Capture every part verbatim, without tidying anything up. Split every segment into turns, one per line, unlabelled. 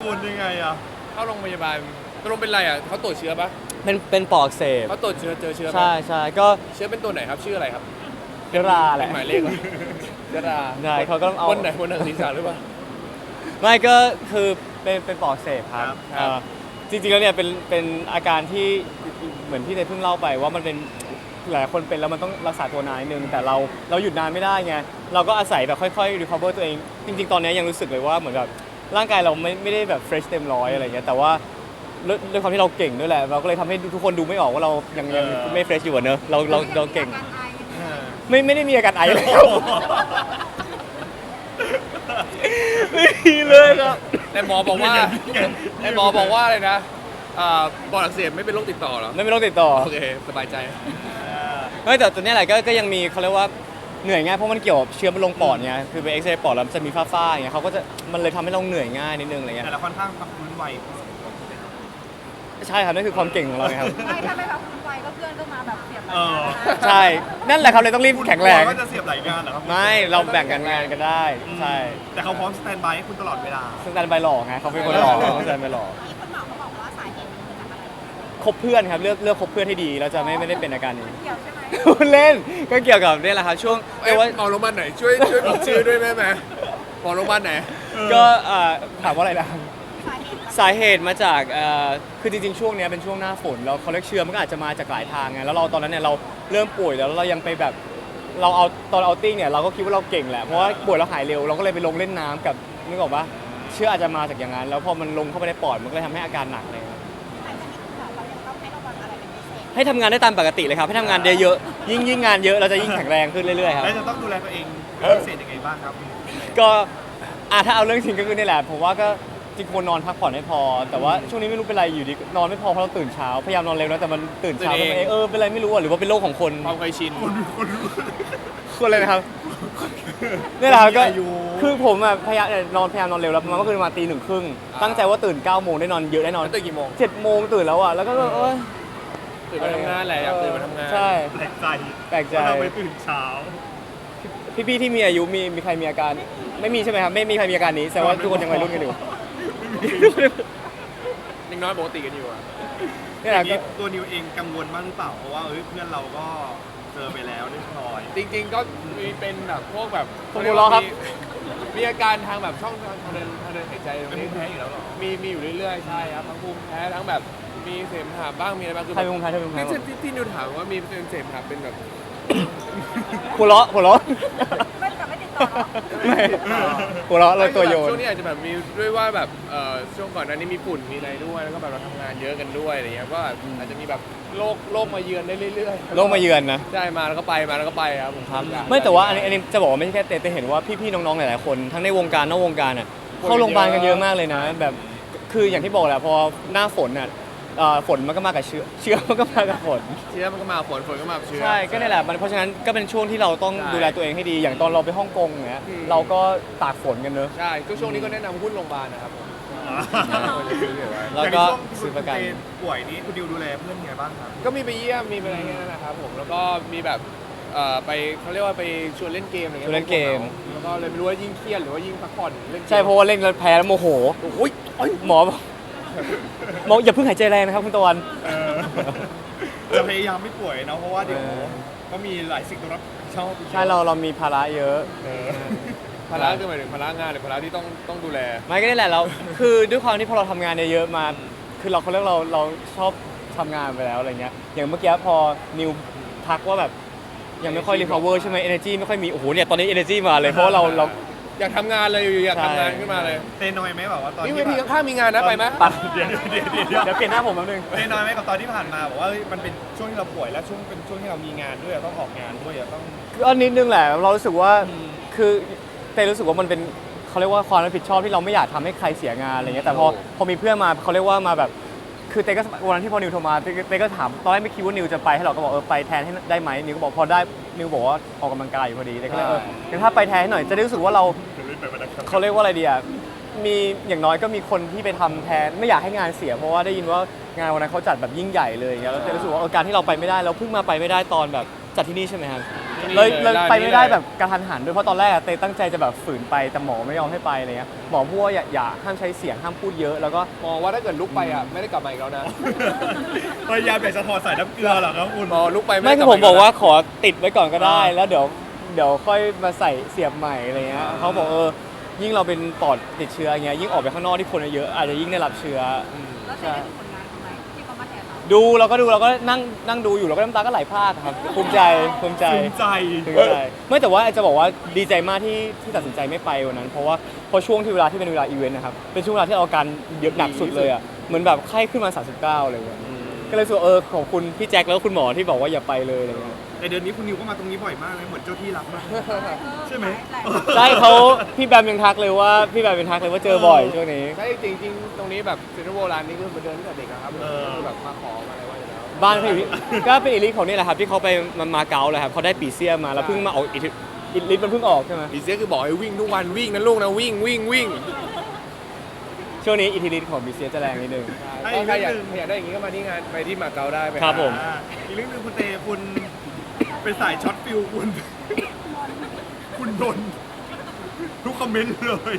คุณยังไงอ่ะ
เข้าโรงพยาบาลตกลงเป็นไรอ่ะเขาตรวจเชื้อปะ
เป็นเป็นปอดอักเสบ
เขาตรวจเชื้อเจอเชื้อปะ
ใช่ใช่ก็
เชื้อเป็นตัวไหนครับชื่ออะไรครับ
เชื้อราแหละ
เป็นหมายเลขเหรอเชื้อรา
ใช่เขาก็ต้องเอา
คนไหนคนหนังศีรษะหรือเปล่า
ไม่ก็คือเป็นเป็นปอดอักเสบครับ
ครับ
เอ่อจริงๆแล้วเนี่ยเป็นเป็นอาการที่เหมือนที่เนยเพิ่งเล่าไปว่ามันเป็นหลายคนเป็นแล้วมันต้องรักษาตัวนานนิดนึงแต่เราเราหยุดนานไม่ได้ไงเราก็อาศัยแบบค่อยๆ recover ตัวเองจริงๆตอนนี้ยังรู้สึกเลยว่าเหมือนแบบร่างกายเราไม่ไม่ได้แบบ fresh เต็มร้อยอะไรเงี้ยแต่ว่าด้วยด้วยความที่เราเก่งด้วยแหละเราก็เลยทำให้ทุกคนดูไม่ออกว่าเรายังยังไม่ fresh อยู่อะเนอะเราเราเราเก่งไม่ไม่ได้มีอาการไอเลยครับไม่มีเลยครับ
แต่หมอบอกว่าแต่หมอบอกว่าอะไรนะอ่าปอดอักเสบไม่เป็นโรคติดต่อเหรอ
ไม่เป็นโรคติดต่อ
โอเคสบายใจ
ไม่แต่ตัวเนี้ยแหละก็ก็ยังมีเขาเรียกว่าเหนื่อยง่ายเพราะมันเกี่ยวกับเชื้อมันลงปอดไงคือไปเอ็กซเรย์ปอดแล้วมันจะมีฝ้าๆอย่างเงี้ยเขาก็จะมันเลยทำให้เราเหนื่อยง่ายนิดนึงอะไรเงี้ย
แต่ละค่อนข้างพักฟื้นไว
ใช่ครับนั่นคือความเก่งของเราไงครับ
ไม่ถ้าไม่แบบคุณไวก็เพื่อนก็มาแบบเสียบ
เออ
ใช่นั่นแหละครับเลยต้องรีบแข็งแรง
ก็จะเสียบหลายงานเหรอครับ
ไม่เราแบ่งกันงานกันได้ใช่
แต่เขาพร้อมสแตนบายให้คุณตลอดเวลา
ซึ่งการใบหล่อไงเขาเป็นคนหล่อเขาจะใบหล่อ
มีคนหมอเขาบอกว่าสาเหตุมันมาจากอะไร
คบเพื่อนครับเลือกเลือกคบเพื่อนให้ดีเราจะไม่ไม่ได้เป็นอาการนี้
เกี่ยวใช่ไหม
เล่นก็เกี่ยวกับนี่แหละครับช่วง
เอ้
เรียกว่า
หมอโรงพยาบาลไหนช่วยช่วยบอกชื่อด้วยได้ไหมหมอโรงพยาบาลไหน
ก็เอ่อถามว่าอะไรนะ
สาเหตุ
สาเหตุมาจากเอ่อคือจริงๆ ช่วงเนี้ยเป็นช่วงหน้าฝนแล้วเขาเรียกเชื้อมันก็อาจจะมาจากหลายทางไงแล้วเราตอนนั้นเนี่ยเราเริ่มป่วยแล้วเรายังไปแบบเราเอาตอนเอาติ้งเนี่ยเราก็คิดว่าเราเก่งแหละเพราะว่าป่วยแล้วหายเร็วเราก็เลยไปลงเล่นน้ำกับนึกออกปะเชื้ออาจจะมาจากอย่างนั้นแล้วพอมันลงเข้าไปในปอดมันก็เลยทำให้อาการหนักเลยครับ
แต่ทีนี้คุณหมอเขายังต้องให้ระวังอะไรเป็นพิเศษ
ให้ทำงานได้ตามปกติเลยครับให้ทำงานเยอะๆยิ่งยิ่งงานเยอะเราจะยิ่งแข็งแรงขึ้นเรื่อยๆครับ
แล้วจะต้องดูแลตัวเองพิเศษยังไงบ้างครับ
ก็อ่ะถ้าเอาเรื่องจริงก็คือนี่แหละผมว่าก็จริงควรนอนพักผ่อนให้พอ แต่ว่าช่วงนี้ไม่รู้เป็นไรอยู่ดีนอนไม่พอเพราะเราตื่นเช้าพยายามนอนเร็วนะแต่มันตื่นเช้า
ตื่นเอง
ทำไมเออเป็นไรไม่รู้อ่ะหรือว่าเป็นโรคของคน
ความเคยชิน
คนเลยนะครับนี่แหละครับก็
อายุ
คือผมอ่ะพยายามนอนพยายามนอนเร็วแล้วประมาณเมื่อคืนมาตีหนึ่งครึ่งตั้งใจว่าตื่นเก้าโมงได้นอนเยอะได้นอน
แล้วตื่นกี่โมง
เจ็ดโมงตื่นแล้วอ่ะแล้วก็เออ
ตื่นมาทำงานแหละอยากตื่นมาทำงาน
ใช่
แปลกใจ
แปลกใจ
ว่าเราไปตื่นเช้า
พี่ๆที่มีอายุมีมีใครมีอาการไม่มีใช่ไหมครับไม่มีใครมีอาการนี้แสดงว่าทุกคนยังวัยรุ่นกันอยู่
ยังน้อยปกติกันอยู่อ่ะ
นี่
อ
แหละ
ย่าง
ก็
นี้ตัวนิวเองกังวลบ้างหรือเปล่า เพราะว่าเอ้ยเพื่อนเราก็เจอไปแล้วเรียบร้อย
จริงๆก็มีเป็นแบบพวกแบบ
ผมหัวเราะครับ
มีมีอาการทางแบบช่องทางเดินทางเดินหายใจตรง
เป็น
นี้
ภูมิแพ้อยู่แล้วเหรอ
มีมีอยู่เรื่อยๆใช่ครับทั้งภูมิแพ้ทั้งแบบมีเสมหะบ้างมีอะไรบ้างคือ
ใครเป็นคนไทยใครเป็นคนไทย
ที่ที่ที่นิวถามว่ามีเป็นเสมหะเป็นแบบ
หัวเราะหัวเราะ
ไม่แต่ไม่ติดต่อเนาะ
ไม่หัวเราะเลยตัวโยน
ช่วงนี้อาจจะแบบมีด้วยว่าแบบเอ่อช่วงก่อนหน้านี้มีฝุ่นมีอะไรด้วยแล้วก็แบบเราทำงานเยอะกันด้วยอะไรเงี้ยก็อาจจะมีแบบโรคโรคมาเยือนได้เรื่อยๆ
โรคมาเยือนนะ
ใช่มาแล้วก็ไปมาแล้วก็ไปครับผม
ครับไม่แต่ว่าอันนี้อันนี้จะบอกว่าไม่ใช่แค่เต้แต่เห็นว่าพี่ๆน้องๆหลายๆคนทั้งในวงการนอกวงการอ่ะเข้าโรงพยาบาลกันเยอะมากเลยนะ แบบคืออย่างที่บอกแหละพอหน้าฝนอ่ะเอ่อฝนมันก็มากับเชื้อเชื้อมันก็มากับฝน
เชื้อมันก็มาฝนฝนก็มาเชื้อ
ใช่ก็นี่แหละมันเพราะฉะนั้นก็เป็นช่วงที่เราต้อง
ใช่
ดูแลตัวเองให้ดีอย่างตอนเราไปฮ่องกงเนี้ย
อืม
เราก็ตากฝนกันเนอะ
ใช่ก็ช่วงนี้ก็แนะนำหุ้นโรงพยาบาลนะครับผม
แล้วก็
อย่างในช่วง
ซื้อประกัน
คุณป่วยนี้คุณดิวดูแลเพื่อนยังไงบ้างครับ
ก็มีไปเยี่ยมมีไปอะไรเงี้ยนะครับผมแล้วก็มีแบบเอ่อไปเขาเรียกว่าไปชวนเล่นเกมอะไรเงี้ย
ชวนเล่นเกม
แล้วก็เลยไม่รู้ว่ายิ่งเครียดหรือว่ายิ่งพักผ่อนเล่นกม
ใช่เพราะว่าเล่นแล้วแพ้แล้วโมโห
โอ้ยโอ้ย
หมอบอกหมออย่าเพิ่งหายใจแรงนะครับคุณตะวัน
เออจะพยายามไม่ป่วยเนาะเพราะว่าเดี๋ยว
เออ
ก็มีหลายสิ่งต้องรับผิดชอบ
ใช่เราเรามีภาระเยอะ
เออ
ภาระคือหมายถึงภาระงานหรือภาระที่ต้องต้องดูแล
ไม่ก็นี่แหละเรา คือด้วยความที่พอเราทำงานเยอะๆมา คือเราเขาเรียกเราเราชอบทำงานไปแล้วอะไรเงี้ย อย่างเมื่อกี้พอนิวทักว่าแบบยังไม่ค่อย recover ใช่ไหม energy ไม่ค่อยมี โอ้โหเนี่ยตอนนี้ energy มาเลย เพราะว่าเราเรา
อยากทำงานเลยอยู่ๆอยาก
ใช่
ทำงานขึ้นมาเลย
เตนอยไหมแบบว่าตอน
นี่
ที่
เวที
แบบ
ข้างๆมีงานนะไปไหม
ปัด
เดี๋ยวเดี๋ยวเดี๋ยวเดี๋ยว
เดี๋ยวเปลี่ยนหน้าผมแป๊บนึง
เตนอยไหมกับตอนที่ผ่านมาบอกว่าเฮ้ยมันเป็นช่วงที่เราป่วยและช่วงเป็นช่วงที่เรามีงานด้วยอะต้องออกงานด้วยอะต้อง
ก็นิดนึงแหละ เรารู้สึกว่า คือเต้รู้สึกว่ามันเป็นเขาเรียกว่าความรับผิดชอบที่เราไม่อยากทำให้ใครเสียงานอะไรเงี้ย แต่พอพอมีเพื่อนมาเขาเรียกว่ามาแบบ คือเต้ก็วันนั้นที่พอนิวโทรมาเต้เต้ก็ถามตอนแรกไม่คิดว่านิวจะไปให้เราก็บอกเออไปแทนให้ได้ไหมนิวก็บอกพอได้นิวบอกว่าออกกำลังกายอยู่พอดีเต้ก็เลยเอองั้นถ้าไปแทนให้หน่อยจะได้รู้สึกว่าเราเขาเรียกว่าอะไรดีอ่ะมีอย่างน้อยก็มีคนที่ไปทำแทนไม่อยากให้งานเสียเพราะว่าได้ยินว่างานวันนั้นเขาจัดแบบยิ่งใหญ่เลยอย่างเงี้ยแล้วเต้รู้สึกว่าเออการที่เราไปไม่ได้เราเพิ่งมาไปไม่ได้ตอนแบบจัดที่นี่ใช่ไหมครับเลยเลย
ด้าน
ไป
นี้
ไม่ได้
เลย
แบบกระทันหันด้วยเพราะตอนแรกอะเตตั้งใจจะแบบฝืนไปแต่หมอไม่ยอมให้ไปอะไรเงี้ยหมอพูดว่าอย่าอย่าห้ามใช้เสียงห้ามพูดเยอะแล้วก็
มองว่าถ้าเกิดลุกไปอ่ะไม่ได้กลับมาอีกแล้วนะ
พยายามอยากจะถอดสายน้ำเกลือเหรอครับคุณ
มองลุกไป
ไม่
ด้
คื
ลั
อผม
อี
บอกว่า
แล้ว
ขอติดไว้ก่อนก็ได้
อ่า
แล้วเดี๋ยวเดี๋ยวค่อยมาใส่เสียบใหม่อะไรเงี้ย
อ่า
เขาบอกเออยิ่งเราเป็นปอดติดเชื้ออย่างเงี้ยยิ่งออกไปข้างนอกที่คนเยอะอาจจะยิ่งได้รับเชื้อ
แล้วเซนได้ดูผลงานเขาไหมที่เขามาแทนเรา
ดูเราก็ดูเราก็นั่งนั่งดูอยู่เราก็น้ำตาก็ไหลพรากครับภูมิใจภูมิใจ
ภูมิใจ
ภูมิใจไม่แต่ว่าจะบอกว่าดีใจมากที่ที่ตัดสินใจไม่ไปวันนั้น เพราะว่าพอช่วงที่เวลาที่เป็นเวลาอีเวนต์นะครับเป็นช่วงเวลาที่เราอาการเยอะหนักสุดเลยอ่ะเหมือนแบบไข้ขึ้นมาสามสิบเก้าอะไรเงี้ยก็เลยรู้สึกว่าเออขอบคุณพี่แจ็คแล้วก็คุณหมอที่บอกว่าอย่าไปเลยอะไรเงี้ย
แต่เดือนนี้คุณนิวก็มาตรงนี้บ่อยมากเลยเหมือนเจ้าที่รักมากใช่ไหม
ใช่เขาพี่แบมยังทักเลยว่าพี่แบมยังทักเลยว่าเจอบ่อยช่วงนี้
ใช่จริงจริงๆตรงนี้แบบเซ็นทรัลโบราณนี่คือมาเดินตั้งแต่เด็กอะครับ
เออ
คือแบบมาขอมาอะไรไว้อยู่แล้ว
บ้านเขาอยู่ที่ก็เป็นอิลิทของนี่แหละครับที่เขาไปมามาเก๊าเลยครับเขาได้ปีเซียมาแล้วเพิ่งมาออกอิลิทอิลิทมันเพิ่งออกใช่ไหม
อีเซียคือบอกให้วิ่งทุกวันวิ่งนะลูกนะวิ่งวิ่งวิ่ง
ช่วงนี้อิทธิฤทธิ์ของปีเซียจะแรงนิดนึง
ให้
ก็
อีก
ใคร
เรื่อง
อยาก
หนึ่ง
อยากได้อย่างนี้ก็มาที่งานไปที่มาเก๊าได้ไป
ครับผม
อ่าอีกเรื่องหนึงคุณเตคุณเป็นสายช็อตฟิลคุณ คุณโดนทุกคอมเมนต์เลย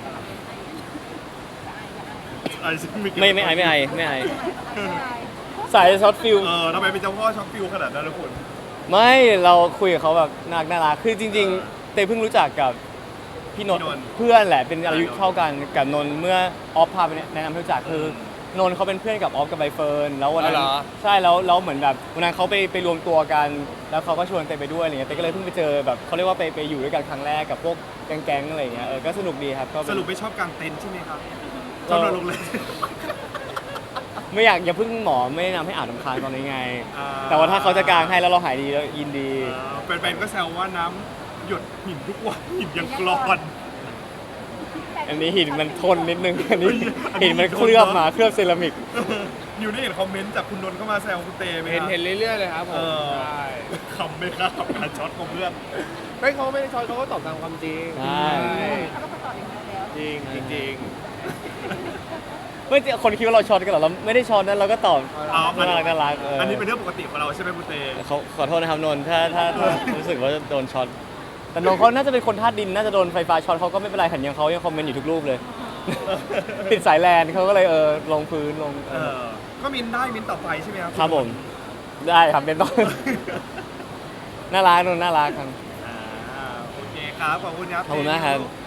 ไอ้ซิเก็ต
ไม่ไม่ไอไม่ไอไม่ไอสายช็อตฟิล
เออทำไมเป็นเจ้าพ่อช็อตฟิลขนาดนั้นล่ะคุณ
ไม่เราคุยกับเขาแบบน่ารักน่ารักคือจริง ๆ เต้เพิ่งรู้จักกับพี่นนท์
พี่นนท์
เพื่อนแหละเป็นอายุ
อ่า
เท่ากันกับนนท์เมื่อออฟพาไปแนะนำให้รู้จักคือนนท์เขาเป็นเพื่อนกับออฟกับใบเฟิร์นแล้ววันนั้นใช่แล้วแล้วเหมือนแบบวันนั้นเขาไปไปรวมตัวกัน แล้วเขาก็ชวนเต้ไปด้วยอะไรเงี้ยเต้ก็เลยเพิ่งไปเจอแบบเขาเรียกว่าไปไปอยู่ด้วยกันครั้งแรกกับพวกแก๊งๆอะไรเงี้ยเออก็สนุกดีครับก็เป็น
สรุปไม่ชอบกางเต็นท์ใช่ไหมครับชอบนอนโรงแรม
ไม่อยากอย่าเพิ่งหมอไม่แนะนำให้อาบน้ำค้างตอนนี้ไง
อ่า
แต่ว่าถ้าเขาจะกางให้แล้วเราหายดีแล้วยินดี
เออแฟนๆก็แซวว่าน้ำหยดหินทุกวันหินยังกรอน
อันนี้หินมันทนนิดนึง อันนี้หินมันเคลือบมาเคลือบเซรามิก
อยู่ได้เห็นคอมเมนต์จากคุณนนท์เข้ามาแซวคุณเตไหม
เห็น
ครับ
เห็นเรื่อยๆเลยครับผ
เอ
ม
อ
ใช่
คำไหมครับกับการช็อตของเพื่อน
ไม่เขาไม่ได้ช็อตเขาก็ตอบตามความจริง
ใช่
เขาก็ตอบอย่างนี้แล้ว
จริงจริงจริง
ไม่จริงคนคิดว่าเราช็อตกันเหรอเราไม่ได้ช็อตนั้นเราก็ตอบ
อ๋อ
น่ารักน่ารักเออ
อั
อั
นนี้เป็นเรื่องปกติของเราใช่ไหมคุณเต
เขาขอโทษนะครับนนท์ถ้าถ้าถ้ารู้สึกว่าโดนช็อตแต่นนท์เขาน่าจะเป็นคนธาตุดินน่าจะโดนไฟฟ้าช็อตเขาก็ไม่เป็นไรขันยังเขายังคอมเมนต์อยู่ทุกรูปเลย ติดสายแลนเขาก็เลยเออลงพื้นลง
เออก็มินได้มินต่อไปใช่ไหมครับ
ครับผมได้ครับเป็นต้น น่ารักนนท์น่ารักครับ
อ่าโอเคครับขอบคุณครับ
ขอบคุณมากครับ